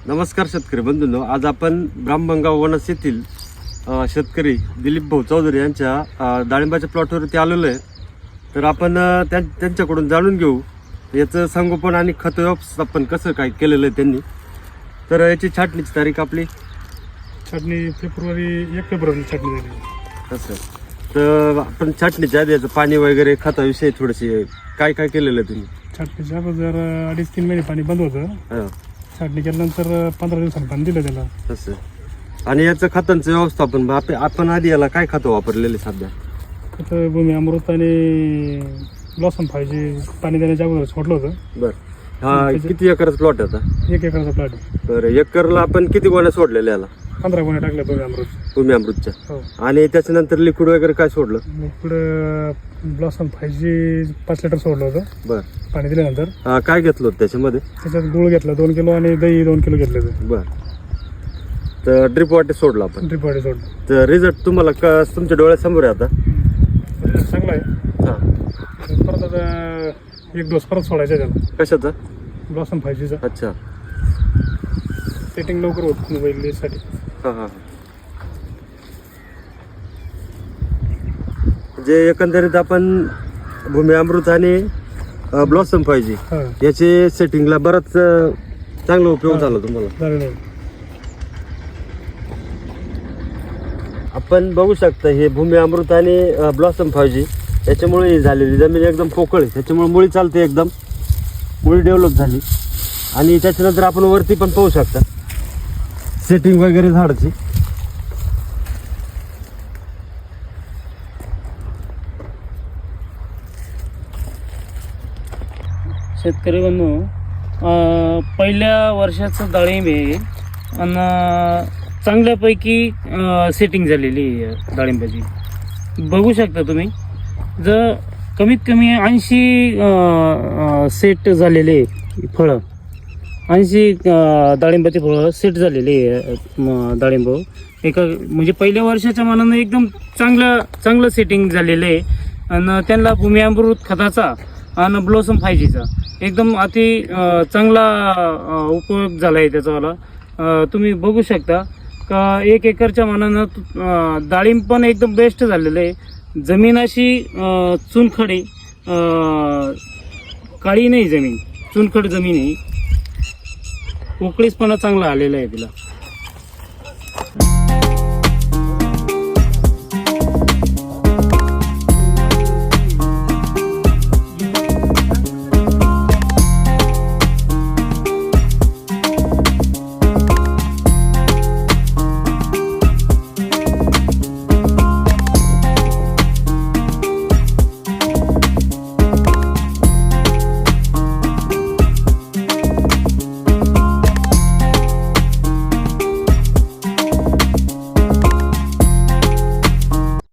नमस्कार शेतकरी बंधूंनो, आज आपण ब्राह्मणगाव वनस येथील शेतकरी दिलीप भाऊ चौधरी यांच्या डाळिंबाच्या प्लॉटवरती आलेलो आहे. तर आपण त्यांच्याकडून जाणून घेऊ याचं संगोपन आणि खत व्यवस्थापन कसं काय केलेलं आहे त्यांनी. तर याची छाटणीची तारीख आपली छाटणी फेब्रुवारी 1 फेब्रुवारी छाटणी झाली. असं. तर आपण छाटणीच्या आधी याचं पाणी वगैरे खताविषयी थोडेसे काय काय केलेलं आहे तुम्ही? छाटणीच्या अगोदर 2.5-3 महिने पाणी बंद होतं. हां, छाटणी केल्यानंतर 15 दिवसांनी पाणी दिलं त्याला. तसं. आणि याचं खतांचं व्यवस्थापन आपण आधी याला काय खतं वापरलेले सध्या? खतं भूमी अमृत आणि ब्लॉसम 5G पाणी देण्याच्या अगोदर सोडलं होतं. बरं. हा किती एकरच प्लॉट आहे आता? 1 एकराचा प्लॉट आहे. बरं, एकरला आपण किती गोण्या सोडलेल्या याला 15 गोण्या टाकल्या भूमी अमृत. भूमी अमृतच्या? हो. आणि त्याच्यानंतर लिक्विड वगैरे काय सोडलं? मग पुढं ब्लॉसम 5G 5 लिटर सोडलं होतं बरं. पाणी दिल्यानंतर. काय घेतलं होतं त्याच्यामध्ये? त्याच्यात गुळ घेतला 2 किलो आणि दही 2 किलो घेतलं होतं. बरं. तर ड्रिप वॉटर सोडलं आपण. ड्रिप वाटे सोडलं. तर रिझल्ट तुम्हाला तुमच्या डोळ्यासमोर आहे आता? चांगला आहे. हां. परत आता 1 डोस परत सोडायचा त्याला कशाचा? ब्लॉसम 5Gचा. अच्छा. सेटिंग लवकर होत मोबाईलसाठी. हां हां. जे एकंदरीत आपण भूमी अमृत आणि ब्लॉसम पाहिजे हां याचे सेटिंगला बराच चांगला उपयोग झाला तुम्हाला. झालेलं आहे. आपण बघू शकता हे भूमी अमृत आणि ब्लॉसम 5G याच्यामुळे ही झालेली जमीन एकदम पोकळ आहे. त्याच्यामुळे मुळी चालते, एकदम मुळी डेव्हलप झाली. आणि त्याच्यानंतर आपण वरती पण पाहू शकता सेटिंग वगैरे झाडाची. शेतकरी बंधू, पहिल्या वर्षाचं डाळिंब आहे आणि चांगल्यापैकी सेटिंग झालेली आहे डाळिंबाची. बघू शकता तुम्ही, जर कमीत कमी 80 सेट झालेले फळं, 80 डाळिंबाचे फळं सेट झालेले डाळिंब एका म्हणजे पहिल्या वर्षाच्या मानानं एकदम चांगलं सेटिंग झालेलं आहे. आणि त्यांना भूमी अमृत खताचा आणि ब्लॉसम 5Gचा एकदम अति चांगला उपयोग झाला आहे त्याचावाला. तुम्ही बघू शकता का 1 एकरच्या मानानं डाळिंब पण एकदम बेस्ट झालेलं आहे. जमीन अशी चुनखड आहे, काळी नाही जमीन, चुनखड जमीन आहे. पोकळीसपणा चांगला आलेला आहे तिला.